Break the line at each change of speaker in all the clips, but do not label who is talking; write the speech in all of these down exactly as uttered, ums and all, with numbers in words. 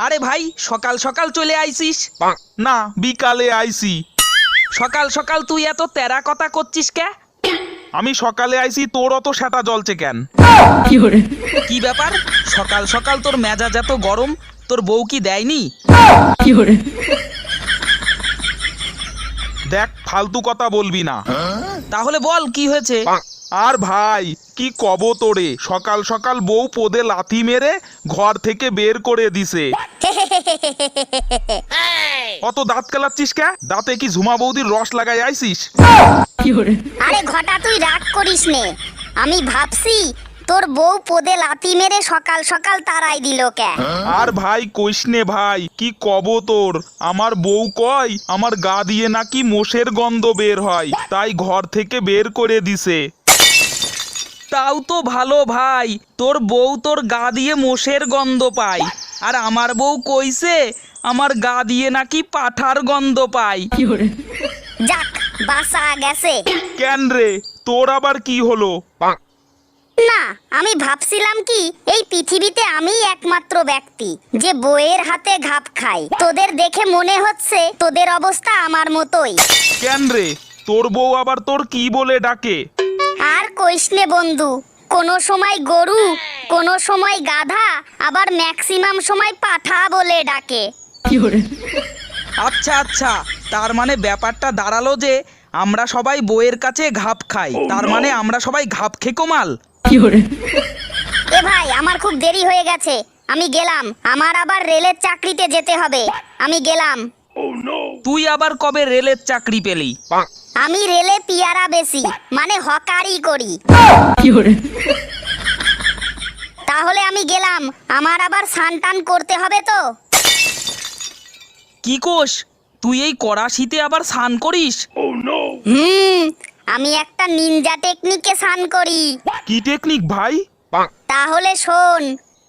আরে ভাই সকাল সকাল চলে আইছিস?
না বিকালে আইছি।
সকাল সকাল তুই এত তেরা কথা করছিস কে?
আমি সকালে আইছি, তোর অত সেটা জ্বলছে কেন?
কি ব্যাপার, সকাল সকাল তোর মেজাজ এত গরম? তোর বউ কি দেয়নি?
দেখ ফালতু কথা বলবি না।
তাহলে বল কি হয়েছে?
আর ভাই কি কব তোরে, সকাল সকাল বউ পোদে লাথি মেরে ঘর থেকে বের করে দিছে। অত দাঁত কেলাচ্ছিস কে? দাঁতে কি ঝুমা বৌদির রস লাগাই আইছিস?
আরে ঘটা তুই রাগ করিস নে, আমি ভাবছি তোর বউ পোদে লাথি মেরে সকাল সকাল তারাই দিল কে।
আর ভাই কইস নে ভাই, কি কব তোর, আমার বউ কয় আমার গা দিয়ে নাকি মোষের গন্ধ বের হয়, তাই ঘর থেকে বের করে দিছে।
তাও তো ভালো ভাই, তোর বউ তোর গা দিয়ে মোষের গন্ধ পায়, আর আমার বউ কইছে আমার গা দিয়ে নাকি পাঠার গন্ধ পায়।
যাক বাসা গেছে।
কেন রে, তোর আবার কি হলো?
না আমি ভাবছিলাম কি এই পৃথিবীতে আমি একমাত্র ব্যক্তি যে বউয়ের হাতে ঘাপ খাই। তোদের দেখে মনে হচ্ছে তোদের অবস্থা আমার মতোই।
কেন রে, তোর বউ আবার তোর কি বলে ডাকে?
আর কইস নে বন্ধু, কোনো সময় গরু, কোনো সময় গাধা, আবার ম্যাক্সিমাম সময় পাঠা বলে ডাকে।
আচ্ছা আচ্ছা, তার মানে ব্যাপারটা দাঁড়ালো যে আমরা সবাই বউয়ের কাছে ঘাপ খাই, তার মানে আমরা সবাই ঘাপ খেকো মাল।
এ ভাই আমার খুব দেরি হয়ে গেছে, আমি গেলাম, আমার আবার রেলের চাকরিতে যেতে হবে, আমি গেলাম।
তুই আবার কবে রেলের চাকরি পেলি?
আমি রেলে পিয়ারা বেশি, মানে হকারি করি। তাহলে আমি গেলাম, আমার আবার স্নান করতে হবে তো।
কি কোষ, তুই এই কড়া শীতে আবার স্নান করিস?
হুম, আমি একটা নিনজা টেকনিকে স্নান করি।
কি টেকনিক ভাই?
তাহলে শোন।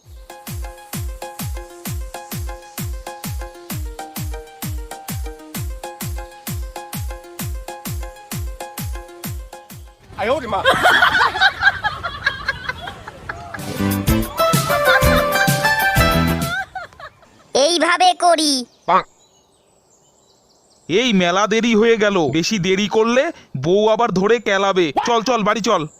এইভাবে করি।
এই মেলা দেরি হয়ে গেল, বেশি দেরি করলে বউ আবার ধরে কেলাবে। চল চল বাড়ি চল।